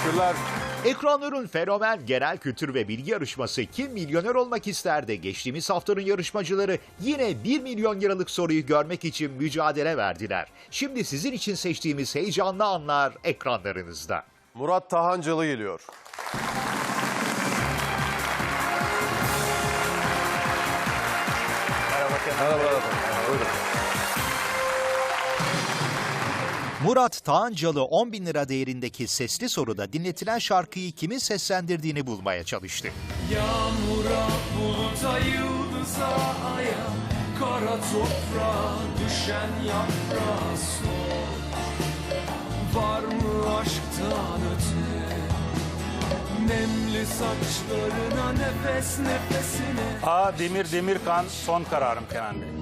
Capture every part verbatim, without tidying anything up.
Teşekkürler. Ekranların fenomen genel kültür ve bilgi yarışması Kim Milyoner Olmak İster'de geçtiğimiz haftanın yarışmacıları yine bir milyon liralık soruyu görmek için mücadele verdiler. Şimdi sizin için seçtiğimiz heyecanlı anlar ekranlarınızda. Murat Tahancalı geliyor. Merhaba. Merhaba. Buyurun. Murat Tahancalı on bin lira değerindeki sesli soruda dinletilen şarkıyı kimin seslendirdiğini bulmaya çalıştı. Yağmura, buluta, yıldıza, aya, kara toprağa düşen yaprağa sor. Var mı aşktan öte? Nemli saçlarına, nefes nefesine. A. Demir Demirkan son kararım Kenan Bey.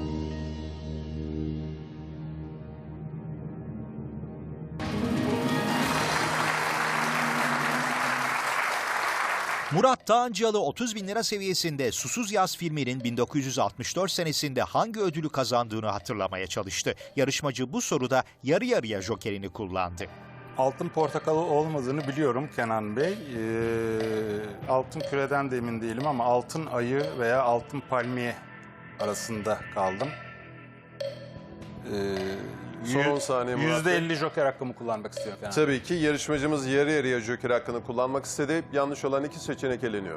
Murat Tahancalı otuz bin lira seviyesinde Susuz Yaz filminin bin dokuz yüz altmış dört senesinde hangi ödülü kazandığını hatırlamaya çalıştı. Yarışmacı bu soruda yarı yarıya jokerini kullandı. Altın portakalı olmadığını biliyorum Kenan Bey. Ee, altın küreden de emin değilim ama altın ayı veya altın palmiye arasında kaldım. Ee, Son on saniye Murat yüzde Bey. elli joker hakkımı kullanmak istiyorum Kenan. Tabii ki yarışmacımız yarı yarıya joker hakkını kullanmak istedi. Yanlış olan iki seçenek eleniyor.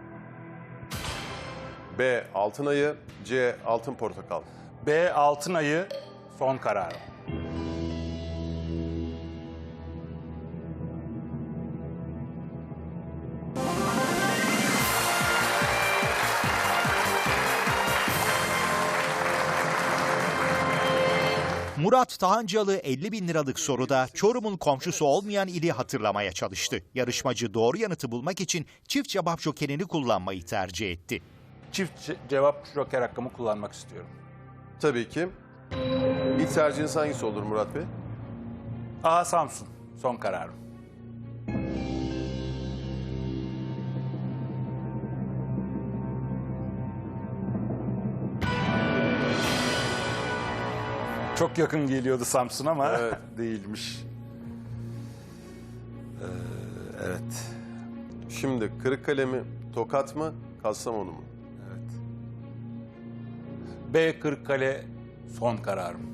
B. Altın ayı. C. Altın portakal. B. Altın ayı son kararım. Murat Tahancalı elli bin liralık soruda Çorum'un komşusu olmayan ili hatırlamaya çalıştı. Yarışmacı doğru yanıtı bulmak için çift cevap jokerini kullanmayı tercih etti. Çift ce- cevap joker hakkımı kullanmak istiyorum. Tabii ki. İlk tercihiniz hangisi olur Murat Bey? A. Samsun son kararım. Çok yakın geliyordu Samsun ama Evet. değilmiş. Ee, evet. Şimdi Kırıkkale mi, Tokat mı, Kastamonu mu? Evet. B. Kırıkkale son kararım.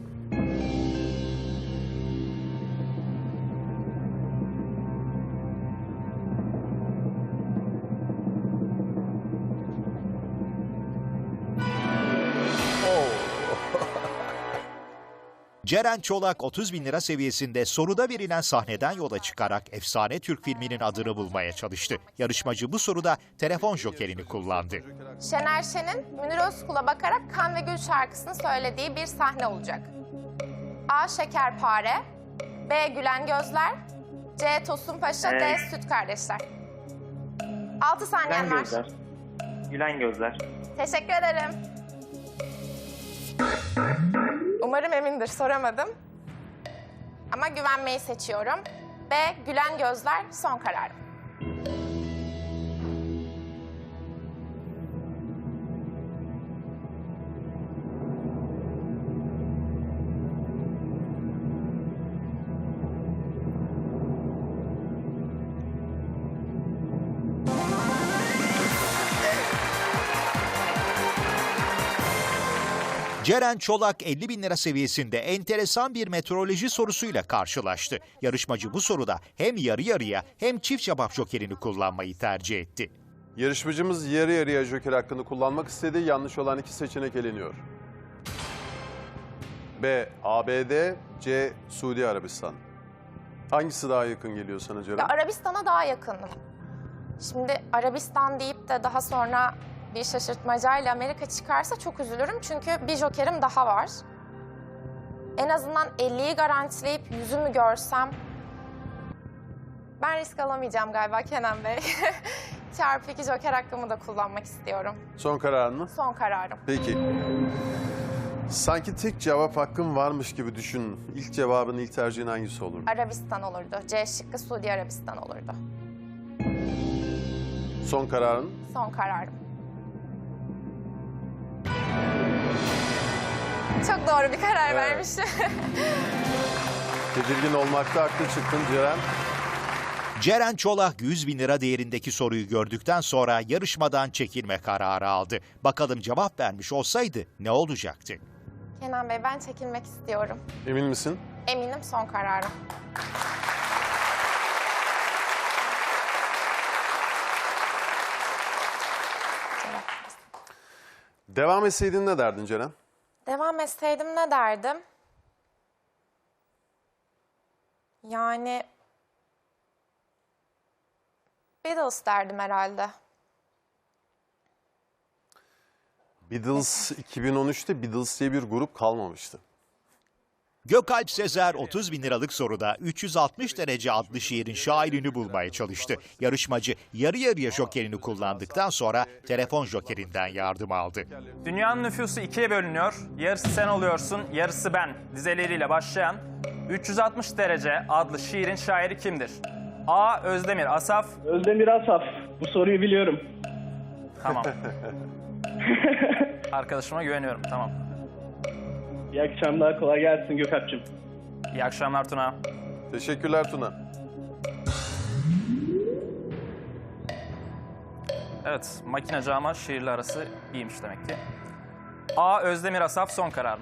Ceren Çolak otuz bin lira seviyesinde soruda verilen sahneden yola çıkarak efsane Türk filminin adını bulmaya çalıştı. Yarışmacı bu soruda telefon jokerini kullandı. Şener Şen'in Münir Özkul'a bakarak Kan ve Gül şarkısını söylediği bir sahne olacak. A. Şekerpare, B. Gülen Gözler, C. Tosun Paşa, D. Evet. Süt Kardeşler. Altı saniyen Gülen var. gözler. Gülen gözler. Teşekkür ederim. Umarım emindir, soramadım. Ama güvenmeyi seçiyorum. B. Gülen Gözler son kararım. Ceren Çolak elli bin lira seviyesinde enteresan bir meteoroloji sorusuyla karşılaştı. Yarışmacı bu soruda hem yarı yarıya hem çift cevap jokerini kullanmayı tercih etti. Yarışmacımız yarı yarıya joker hakkını kullanmak istedi. Yanlış olan iki seçenek eleniyor. B. A B D, C. Suudi Arabistan. Hangisi daha yakın geliyor sana Ceren? Ya Arabistan'a daha yakınım. Şimdi Arabistan deyip de daha sonra bir şaşırtmacayla Amerika çıkarsa çok üzülürüm. Çünkü bir jokerim daha var. En azından elliyi garantileyip yüzümü görsem... Ben risk alamayacağım galiba Kenan Bey. Çarpı iki joker hakkımı da kullanmak istiyorum. Son kararın mı? Son kararım. Peki. Sanki tek cevap hakkın varmış gibi düşün. İlk cevabın, ilk tercihin hangisi olur? Arabistan olurdu. C şıkkı Suudi Arabistan olurdu. Son kararın? Son kararım. Çok doğru bir karar Evet. vermişim. Tedirgin olmakta haklı çıktın Ceren. Ceren Çolak yüz bin lira değerindeki soruyu gördükten sonra yarışmadan çekilme kararı aldı. Bakalım cevap vermiş olsaydı ne olacaktı? Kenan Bey, ben çekilmek istiyorum. Emin misin? Eminim, son kararım. Devam etseydin ne derdin Ceren? Devam etseydim ne derdim? Yani Beatles derdim herhalde. Beatles iki bin on üçte Beatles diye bir grup kalmamıştı. Gökalp Sezer otuz bin liralık soruda üç yüz altmış derece adlı şiirin şairini bulmaya çalıştı. Yarışmacı yarı yarıya jokerini kullandıktan sonra telefon jokerinden yardım aldı. Dünyanın nüfusu ikiye bölünüyor. Yarısı sen oluyorsun, yarısı ben. Dizeleriyle başlayan üç yüz altmış derece adlı şiirin şairi kimdir? A. Özdemir Asaf. Özdemir Asaf. Bu soruyu biliyorum. Tamam. Arkadaşıma güveniyorum. Tamam. İyi akşamlar. Kolay gelsin Gökalp'cığım. İyi akşamlar Tuna. Teşekkürler Tuna. Evet, makinacı ama şiirle arası iyiymiş demek ki. A. Özdemir Asaf son kararım.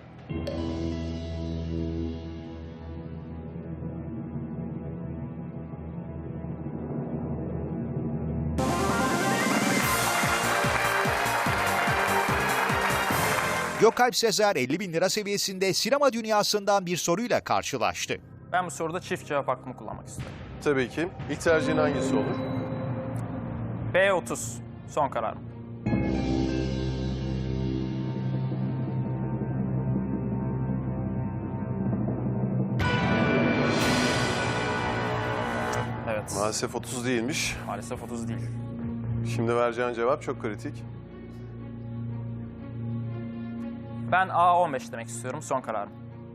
Gökalp Sezer elli bin lira seviyesinde sinema dünyasından bir soruyla karşılaştı. Ben bu soruda çift cevap hakkımı kullanmak istiyorum. Tabii ki. İlk tercihin hangisi olur? B otuz son kararım. Evet. Maalesef otuz değilmiş. Maalesef otuz değil. Şimdi vereceğin cevap çok kritik. Ben A on beş demek istiyorum. Son kararım.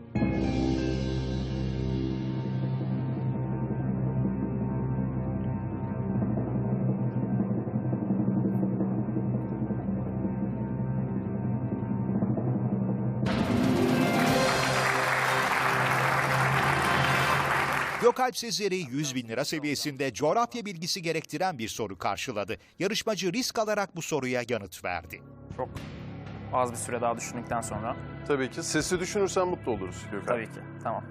Gökalp Sezer'i yüz bin lira seviyesinde coğrafya bilgisi gerektiren bir soru karşıladı. Yarışmacı risk alarak bu soruya yanıt verdi. Çok az bir süre daha düşündükten sonra. Tabii ki. Sesi düşünürsen mutlu oluruz Gökhan. Tabii ki. Tamam.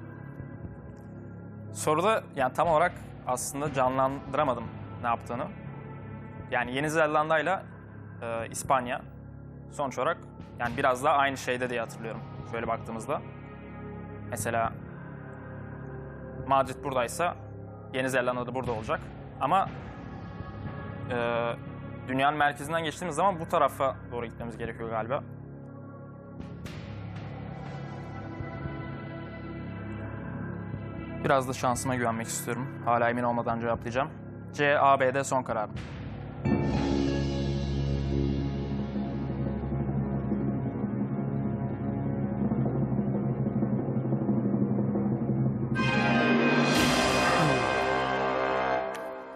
Soruda yani tam olarak aslında canlandıramadım ne yaptığını. Yani Yeni Zelanda ile e, İspanya sonuç olarak yani biraz daha aynı şeyde diye hatırlıyorum. Şöyle baktığımızda. Mesela Madrid buradaysa Yeni Zelanda da burada olacak. Ama e, dünyanın merkezinden geçtiğimiz zaman bu tarafa doğru gitmemiz gerekiyor galiba. Biraz da şansıma güvenmek istiyorum. Hala emin olmadan cevaplayacağım. C, A, B'de son kararım.